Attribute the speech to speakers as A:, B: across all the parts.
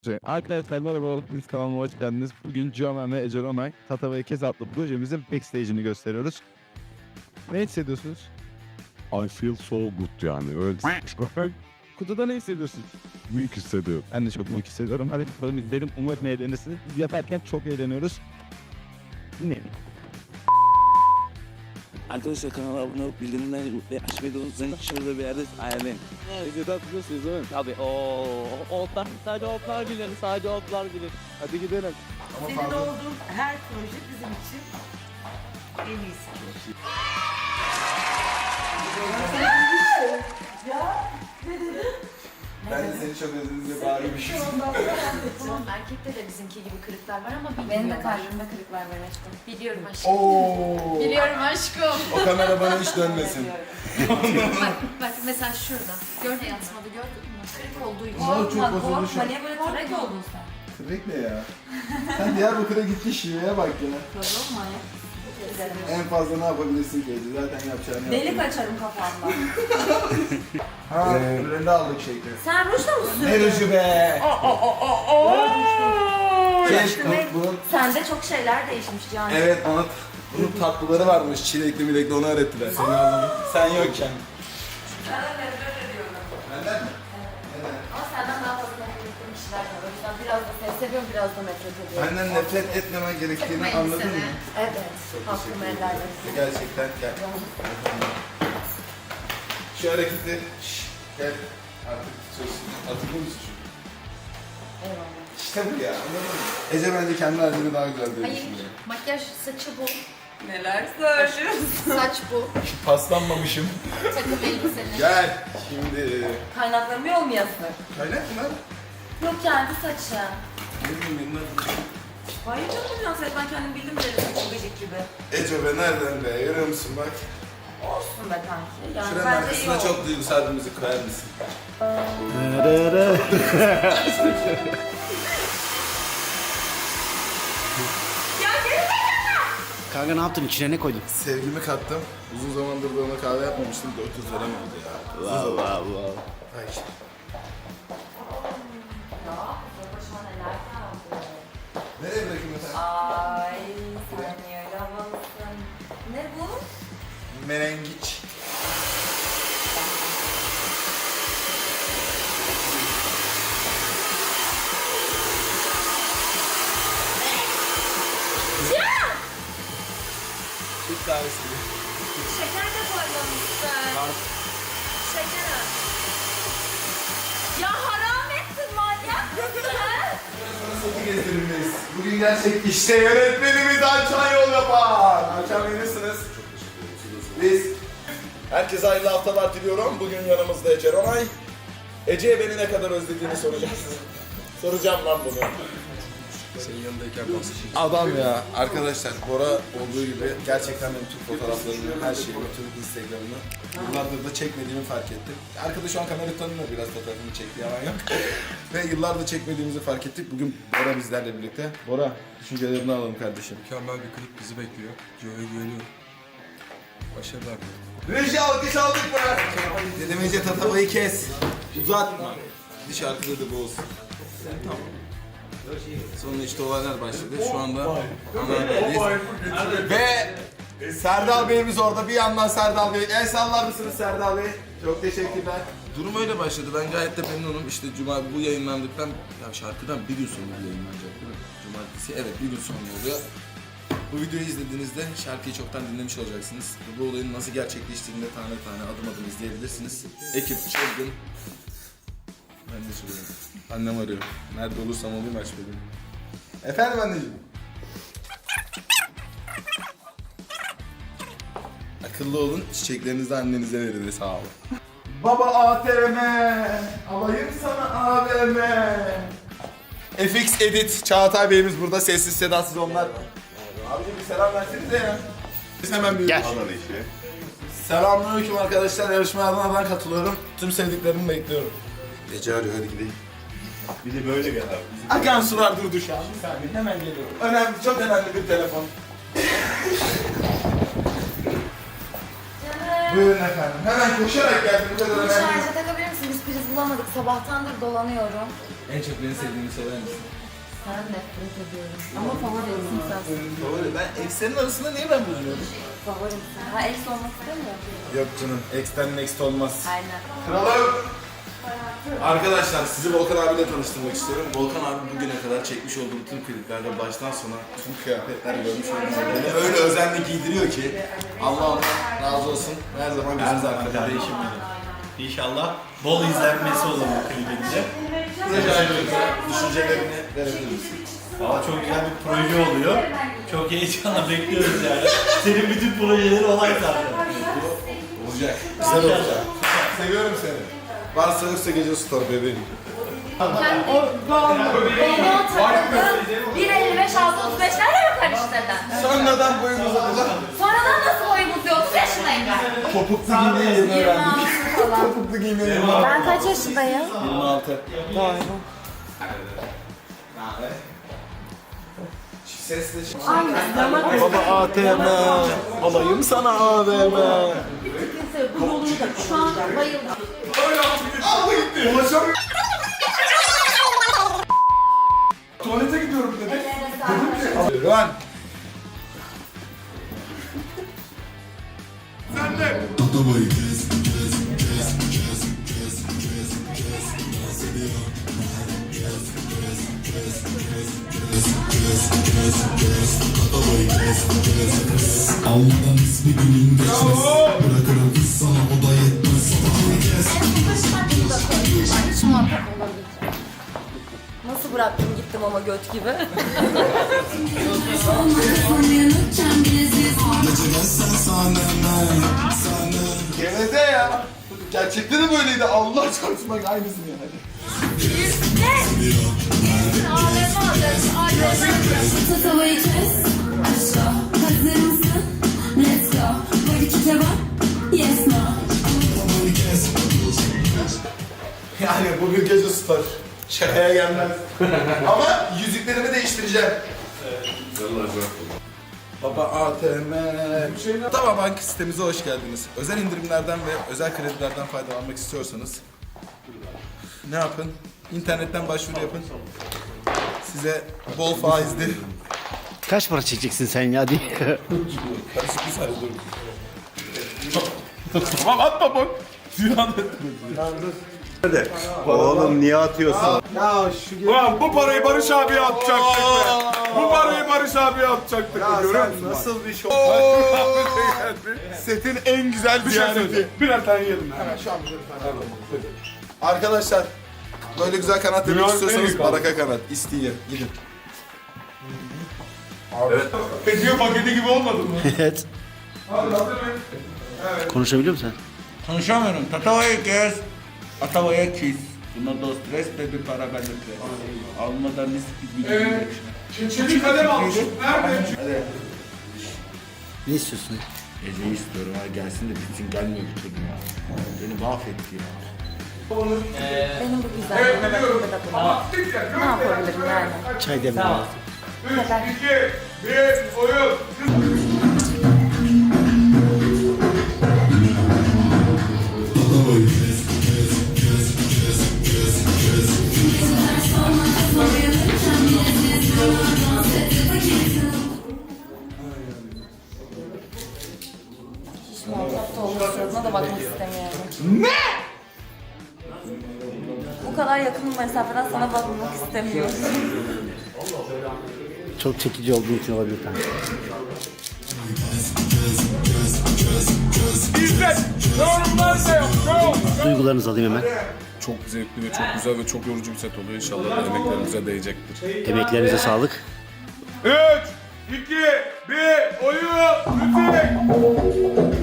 A: Arkadaşlar merhaba, biz kanalıma hoş geldiniz. Bugün Cihan ve Ece Ronay, Tatava'ya Kez adlı projemizin backstage'ini gösteriyoruz. Ne hissediyorsunuz?
B: I feel so good yani öyle.
A: Kutuda ne hissediyorsun?
B: Büyük hissediyorum.
A: Ben de çok büyük hissediyorum. Hadi bakalım izleyelim. Umarım eğlenirsiniz. Biz yaparken çok eğleniyoruz. Dinleyelim.
C: Arkadaşlar kanala abone olup bildirimleri ve açmayı da unutmayın. Şurada bir yerde ayarlayın.
A: Videoda hatırlıyorsunuz değil mi?
C: Tabii otlar, sadece otlar bilir, sadece otlar bilir.
A: Hadi gidelim.
D: Senin olduğun her proje bizim için en iyisi.
E: Ben de seni çok özledim diye bağırmışım.
F: Tamam erkekte de bizimki gibi kırıklar var ama bilmiyorum.
G: Benim de kalbimde kırıklar var aşkım.
F: Biliyorum aşkım.
E: Oo.
F: Biliyorum aşkım.
E: O kamera bana hiç dönmesin.
F: Bak mesela şurada. Gördün yansımadı gördün mü? Kırık olduğu için.
E: Aa, çok bozuldu şu
G: Korkma
E: an.
G: niye böyle trek oldun sen?
E: Kırık ne ya? Sen Diyarbakır'a gittin şiveye bak ya.
G: Kızım manyak.
E: En fazla ne yapabilirsin ki Ece? Zaten yapacağını
G: Delik
E: yaptın.
G: açarım kafamda.
E: Ha, ürünü aldık şekli.
G: Sen rujla mı sürdün?
E: Ne ruju be? Keşke
G: Demek
E: bunun...
G: sende çok şeyler değişmiş Can.
E: Evet, bunun tatlıları varmış. Çilekli milekli onu öğrettiler. Sen yokken.
G: Ben de nefret ediyorum.
E: Benden mi?
G: Ama senden daha fazla nefret ettiğim kişiler var. O yüzden biraz da seni seviyorum, biraz da nefret ediyorum.
E: Benden nefret etmemen gerektiğini
F: Takma
E: anladın
F: elbiseni.
E: mı?
G: Evet. Hakkımı helal et.
E: Gerçekten gel. Şu hareketi gel. Artık tutuyorsun. Hatırlıyor musun şu?
G: Eyvallah.
E: İşte bu ya, anladın mı? Ece bence kendi halini daha güzel diye
F: Hayır.
E: düşünüyor.
F: Makyaj saçı bu.
G: Neler söylüyorsun?
F: Saç bu.
E: Paslanmamışım.
F: Takım elbiseni.
E: Gel. Şimdi...
G: Kaynaklarım yol mu yazık?
E: Kaynak mı lan?
G: Yok kendi saçı.
E: Ne bileyim ben.
G: Hayır canım ya ben kendim bildim derim çok gıcık gibi.
E: Ece be nereden be? Görüyor musun bak.
G: Olsun be kanki. Yani
E: Şuranın
G: bence iyi
E: arkasına
G: oldu.
E: çok duygusal bir müzik koyar mısın?
H: Kanka ne yaptın? İçine ne koydun?
E: Sevgimi kattım. Uzun zamandır da ona kahve yapmamıştım. 400 lira mı oldu ya? Allah Allah. Ay.
G: Başıma neler kaldı.
E: Nereye bırakayım efendim?
G: Ay sen niye öyle havalısın? Ne bu?
E: Menengiç. Türk kahvesi gibi.
G: Şeker de koymamışsın. Şeker. Ya haram ettin manyak mısın?
E: Nasıl gezdirilmeyiz? Bugün gerçek işte yönetmenimiz Alçan yol yapar. Alçan verirsiniz. Biz herkese hayırlı haftalar diliyorum. Bugün yanımızda Ece Ronay. Ece'ye beni ne kadar özlediğini soracağız. Soracağım lan bunu.
B: Senin yanındayken
E: Adam ya. Arkadaşlar Bora olduğu gibi gerçekten benim tüm fotoğraflarımı, her şeyimi, tüm Instagram'ını yıllardır da çekmediğimi fark ettim. Arkadaş şu an kamerayı tanımıyor, biraz fotoğrafımı çekti, yalan yok. Ve yıllardır çekmediğimizi fark ettik. Bugün Bora bizlerle birlikte. Bora, düşüncelerini alalım kardeşim.
B: mükemmel bir klip bizi bekliyor. Joe'ya güveniyorum. Başarılar diliyorum.
E: Reji alkış aldık mı? Dedim Ece tatavayı kes. Uzatma. Bir şarkıda da bu olsun. Tamam. Sonra işte olaylar başladı. Şu anda Anadolu'dayız. Ve Serdal Bey'imiz orada. Bir yandan Serdal Bey. El sallar mısınız Serdal Bey? Çok teşekkürler. Durum öyle başladı. Ben gayet de memnunum. İşte Cuma bu yayınlandıktan, ya şarkıdan bir gün sonra yayınlanacak değil mi? Cumartesi. Evet, bir gün sonra oluyor. Bu videoyu izlediğinizde şarkıyı çoktan dinlemiş olacaksınız. Bu olayın nasıl gerçekleştiğini de tane tane adım adım izleyebilirsiniz. Ekip çılgın. Ben de söylüyorum. Annem arıyor. Nerede olursam olayım aç benim. Efendim anneciğim. Akıllı olun, çiçeklerinizi annenize verin de sağ olun. Baba ATM, alayım sana AVM. FX Edit, Çağatay Bey'imiz burada, sessiz sedasız onlar. Abicim bir selam versenize ya. Biz hemen bir alalım işi. Selamünaleyküm arkadaşlar, yarışmaya Adana'dan katılıyorum. Tüm sevdiklerimi bekliyorum. Ece arıyor, hadi gidelim.
B: Bir de böyle gel abi.
E: Akan sular durdu şu an. Bir saniye, hemen geliyorum. Önemli, çok önemli bir telefon. Buyurun efendim. Hemen koşarak geldim. Bu kadar
G: Bunu
E: önemli.
G: şarja takabilir misin? Biz prizini bulamadık. Sabahtandır dolanıyorum.
E: En çok beni sevdiğini söyler misin?
G: Ben nefret ediyorum. Ama favorimsin sensin.
E: Favori. Ben ekslerin arasında niye ben bulunuyorum?
G: Favorimsin. Ha ex olmak istemiyor.
E: Yok canım. Ex'ten next olmaz.
G: Aynen.
E: Kralım. Arkadaşlar sizi Volkan abiyle tanıştırmak istiyorum. Volkan abi bugüne kadar çekmiş olduğum tüm kliplerde baştan sona tüm kıyafetler görmüş olduğunuz beni öyle özenle giydiriyor ki Allah ondan razı olsun. Her zaman gözümüz arkada.
I: Kardeşim benim. İnşallah bol izlenmesi olur bu klibinde.
E: Proje hakkında düşüncelerini verebilir misin?
I: Valla çok güzel bir proje oluyor. Çok heyecanla bekliyoruz yani. Senin bütün projeleri olay zaten.
E: Olacak. Güzel olacak. Seviyorum seni. Varsa yoksa gece tutar bebeğim.
G: Bana takıldı. 1.55 6.35'lerle mi karıştırdın?
E: Sonradan boyum uzadı.
G: Sonradan nasıl boyumuz yok? 30 yaşındayım ben.
E: Topuklu giymeyi yeni öğrendik.
G: 26 falan.
E: Topuklu giymeyi yeni öğrendik.
G: Ben kaç yaşındayım?
E: 26.
G: Doğru.
E: Sesle
A: Baba ATM. Alayım sana AVM.
G: Bu yolunu da şu an bayıldım.
E: Tuvalete gidiyorum dedi. Run.
J: Almadan ismi günün geçmez. Bırakırım kız sana o da yetmez.
G: Nasıl bıraktım gittim ama göt gibi.
E: Geveze ya. Gerçekten de böyleydi. Allah çarpsın bak aynısını yani.
J: Tatavayı kes. Aşağı. Hazır mısın? Let's go. Var iki kebap. Yes no.
E: Yani bugün gece tutar. Şakaya gelmez. Ama yüzüklerimi değiştireceğim. Baba ATM. Tava Bank sitemize hoş geldiniz. Özel indirimlerden ve özel kredilerden faydalanmak istiyorsanız ne yapın? İnternetten başvuru yapın. Size bol faizli.
H: Kaç para çekeceksin sen ya diye.
E: Karışık bir sayı dur. Tamam atma bak.
I: Oğlum niye atıyorsun?
B: Ulan bu parayı Barış abiye atacaktık be. Bu parayı Barış abiye atacaktık. Görüyor musun?
I: Nasıl bir şey?
E: Setin en güzel
B: Bir şey söyleyeyim. Birer tane yedim. Hemen şu an.
E: Arkadaşlar böyle güzel kanat yemek
B: Dünyanın en
E: istiyorsanız
B: iyi kanadı.
E: Baraka Kanat isteyin gidin.
B: Hediye paketi gibi olmadı mı?
H: Evet. Konuşabiliyor musun sen?
I: Konuşamıyorum. Tatavayı kes. Tatavaya kiss. Buna da stres de bir para bende stres. Almadan risk
B: Evet. Çelik kalem almışım. Nerede?
H: Ne istiyorsun?
I: Ece'yi istiyorum ha gelsin de bitsin gelmiyor bir türlü ya. Beni mahvetti ya.
G: Benim bu güzelliğime bakımda da bunu. Ne yapabilirim yani?
H: Çay demle lazım.
B: 3, 2, 1, oyun.
G: Hiç muhatapta olmasına da bakmak istemiyorum. Ne? Bu kadar yakın mesafeden sana bakmak istemiyorum.
H: Çok çekici olduğu için olabilir kanka.
B: İzzet. Yorumlar da yok.
H: Duygularınızı alayım hemen.
B: Çok zevkli ve çok güzel ve çok yorucu bir set oluyor. İnşallah emeklerimize değecektir.
H: Emeklerinize sağlık.
B: 3, 2, 1, oyun. Müzik.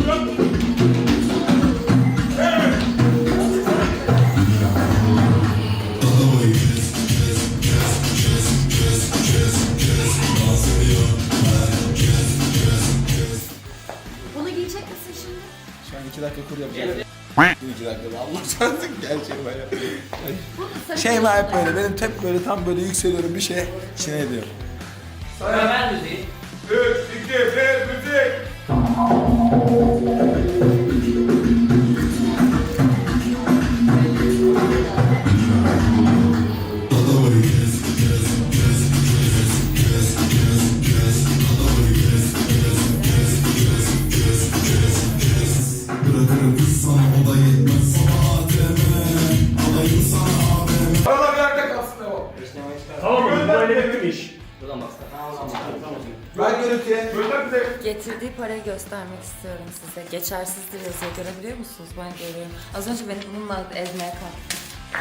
F: Bunu giyecek misin şimdi?
E: Şu an 2 dakika kur yapacağım. 2 dakika Allah çarpsın gerçeğim ya. Şey mi hep böyle benim hep böyle tam böyle yükseliyorum bir şey içine ediyorum.
B: 3, 2, 1, müzik. Tamam mı? Böyle bütün iş.
E: Ben görüntüye.
G: Getirdiği parayı göstermek istiyorum size. Geçersizdir yazıyor. Görebiliyor musunuz? Ben görüyorum. Az önce beni bununla ezmeye kalktı.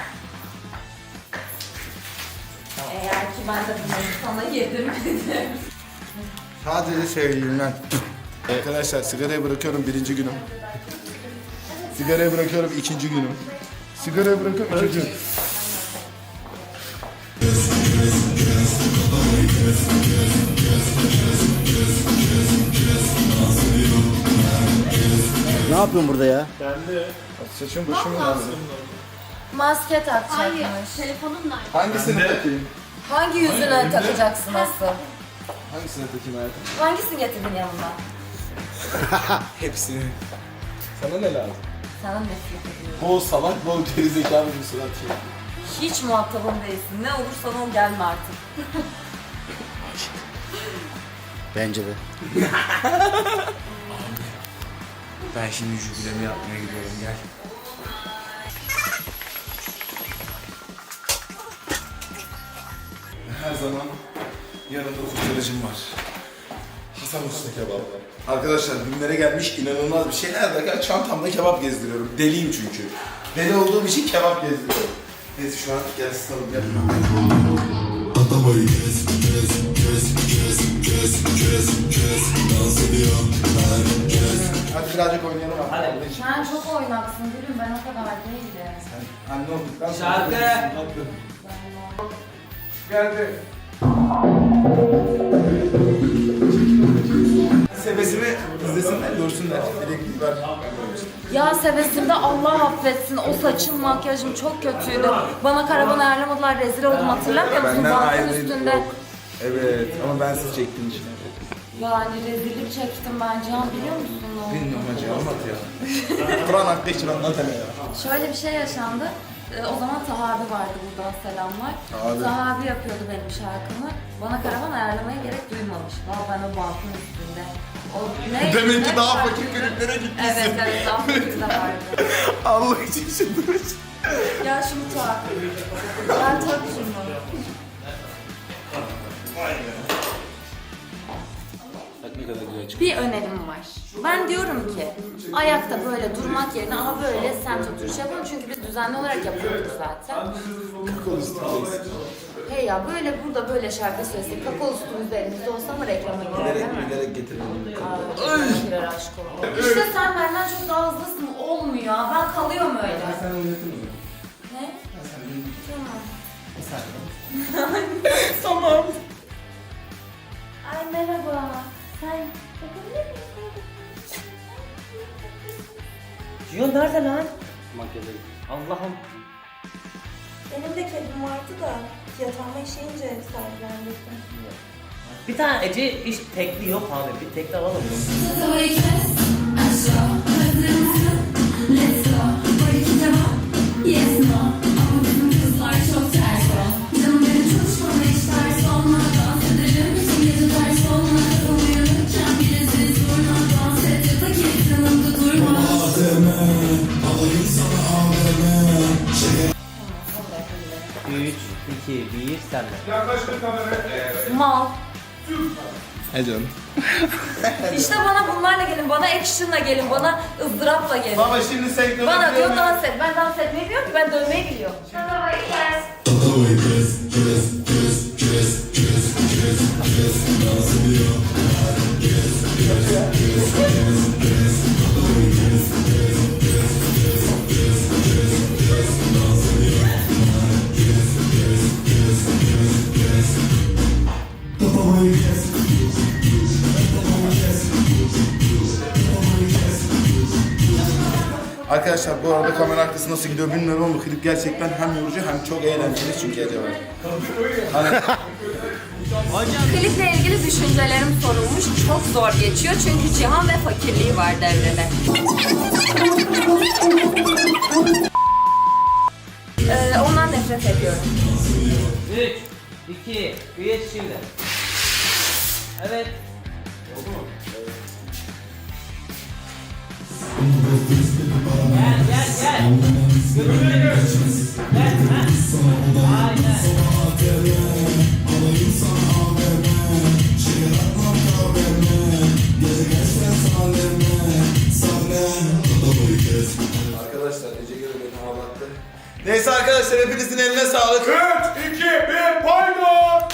G: Eğer ki ben de bunları sana yedirmedim.
E: Sadece sevgilimden. Arkadaşlar sigarayı bırakıyorum 1. günüm. Sigarayı bırakıyorum 2. günüm. Sigarayı bırakıyorum 3. günüm.
H: Ne yapıyorsun burada ya?
E: Saçım başım lazım.
G: Maske takacakmış.
F: Hayır, telefonum nerede?
E: Hangisini takayım?
G: Hangi yüzüne takacaksın asıl?
E: Hangisini takayım hayatım?
G: Hangisini getirdin yanına?
E: Hepsini. Sana ne lazım?
G: Sana nefret ediyorum.
E: Bol salak, bol gerizekalı bir surat şey.
G: Hiç muhatabım değilsin. Ne olursan ol gelme artık.
H: Bence de.
E: Ben şimdi jübilemi yapmaya gidiyorum, gel. Her zaman yanımda kurtarıcım var. Hasan Usta Kebap. Arkadaşlar günlere gelmiş inanılmaz bir şey. Her dakika çantamda kebap gezdiriyorum. Deliyim çünkü. Deli olduğum için kebap gezdiriyorum. Neyse şu an gel ısıtalım gel. Hadi birazcık oynayalım abi.
G: Sen çok oynaksın gülüm. Ben o kadar değilim.
E: Anne olduktan sonra...
I: Şarkı.
B: Geldi.
E: Sebesini izlesinler, görsünler. Elektriği ver.
G: Ya sevesimde Allah affetsin. O saçım, makyajım çok kötüydü. Bana karavan ayarlamadılar. Rezil oldum hatırlamıyor musun?
E: Benden
G: Bankın
E: ayrıydı,
G: üstünde.
E: yok. Evet ama ben siz çektiğim için.
G: Yani rezillik çektim ben Cihan biliyor musun?
E: Bilmiyorum hacı anlat ya. Kur'an hakkı için anlat hele ya.
G: Şöyle bir şey yaşandı. O zaman Taha abi vardı, buradan selamlar.
E: Abi.
G: Taha abi yapıyordu benim şarkımı. Bana karavan ayarlamaya gerek duymamış. Valla ben o bankın üstünde. O ne?
E: Demek ki
G: ne
E: daha
G: şarkı-
E: fakir kliplere gitmişsin.
G: Evet evet daha fakir de vardı.
E: Allah için çıldırmış.
G: Gel şunu tak. Gel tak şunu. Bir önerim var. Ben diyorum ki ayakta böyle durmak yerine ama böyle semt oturuş yapalım çünkü biz düzenli olarak yapıyorduk zaten. Hey ya böyle burada böyle şarkı söylesek kakao üstümüzde elimizde olsa mı reklama girer değil mi?
E: Bilerek getirdim.
G: Aa, girer aşk olsun. İşte sen benden çok daha hızlısın. Olmuyor. Ben kalıyorum öyle.
E: Sen oynatır mısın?
G: Ne? Tamam.
E: Tamam.
G: Ay merhaba. Sen bakabilir misin?
K: Cihan nerede lan? Allah'ım.
D: Benim de kedim vardı da yatağıma işeyince sahiplendirdim.
K: Bir tane Ece iş tekli yok abi. Bir tekli alalım.
J: Tatavayı kes aşağı. Hazır mısın? Let's go. Var 2 cevap. Yes no. Ama bizim kızlar çok ters o. Canım benim çalışmama hiç ters olma. Dans ederim bütün gece ters olma. Kafam uyanırken bile siz durma. Dans et ya da kes yanımda durma.
K: Alayım sana AVM. 3, 2, 1, sen de.
B: Yaklaştır kameraya.
G: Mal.
E: He canım.
G: İşte bana bunlarla gelin, bana action'la gelin, bana ızdırapla gelin.
E: Baba şimdi sen
G: Bana diyor dans et. Ben dans etmeyi biliyorum ki ben dövmeyi biliyorum. Tatavayı kes.
E: Arkadaşlar bu arada kamera arkası nasıl gidiyor bilmiyorum ama klip gerçekten hem yorucu hem çok eğlenceli çünkü acaba.
G: Kliple ilgili düşüncelerim sorulmuş. Çok zor geçiyor çünkü Cihan ve fakirliği var devrede. Ondan nefret ediyorum.
K: 3, 2, 1 şimdi. Evet. Gel gel gel. Götürüyoruz. Gel. Ha. Aynen.
E: Arkadaşlar Ece göre beni ağlattı. Neyse arkadaşlar hepinizin eline sağlık.
B: 3, 2, 1, paydo!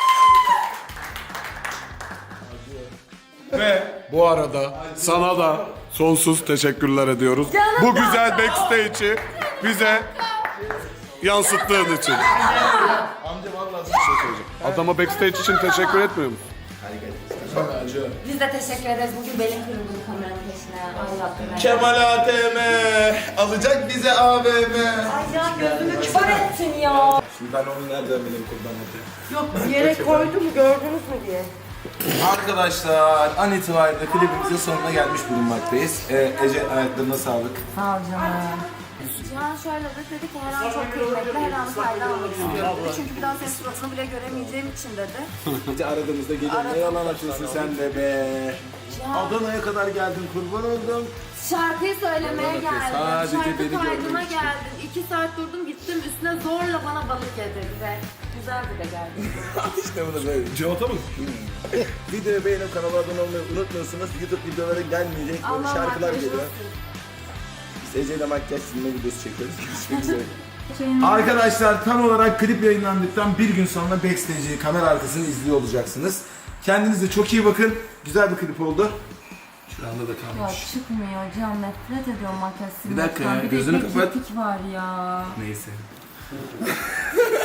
B: Ve bu arada sana da sonsuz teşekkürler ediyoruz. Bu güzel backstage'i bize yansıttığın için.
E: Amca vallahi bir şey söyleyeceğim.
B: Adama backstage için teşekkür etmiyor musun?
G: Biz de teşekkür ederiz. Bugün belim kırıldı kameranın peşine. Ay Rabbim.
E: Kemal ATM alacak bize AVM.
G: Ay ya gözümü kör ettin ya.
E: Şimdi ben onu nereden bileyim kullanmadı.
G: Yok bir yere koydum gördünüz mü diye.
E: Arkadaşlar an itibariyle klibimizin sonuna gelmiş bulunmaktayız. Ece ayaklarına sağlık.
G: Sağ ol canım. Cihan şöyle dedi ki her an çok kıymetli, her an fayda almak istiyorum dedi. Çünkü bir daha senin suratını bile göremeyeceğim için dedi.
E: Ece aradığımızda gelin ne yalan atıyorsun sen de be. Adana'ya kadar geldin kurban oldum.
G: Şarkıyı söylemeye geldim.
E: sadece
G: Şarkı
E: beni
G: kaydına
E: görmek için.
G: geldim. 2 saat durdum gittim üstüne zorla bana balık yedirdi. Güzeldi de geldi.
E: İşte bu da böyle.
B: Cevata mı?
E: Videoyu beğenip kanala abone olmayı unutmuyorsunuz. YouTube videoları gelmeyecek. Böyle
G: Allah
E: şarkılar
G: makyaj
E: geliyor.
G: olsun.
E: Biz Ece'yle makyaj silme videosu çekiyoruz. Görüşmek üzere. Arkadaşlar tam olarak klip yayınlandıktan bir gün sonra backstage'i, kamera arkasını izliyor olacaksınız. Kendinize çok iyi bakın. Güzel bir klip oldu. Şuranda da
G: Ya
E: kalmış.
G: çıkmıyor Cihan nefret ediyorum makyaj
E: Bir dakika ya,
G: silmekten. Bir de
E: gözünü
G: ipek
E: kapat.
G: kirpik var ya.
E: Neyse.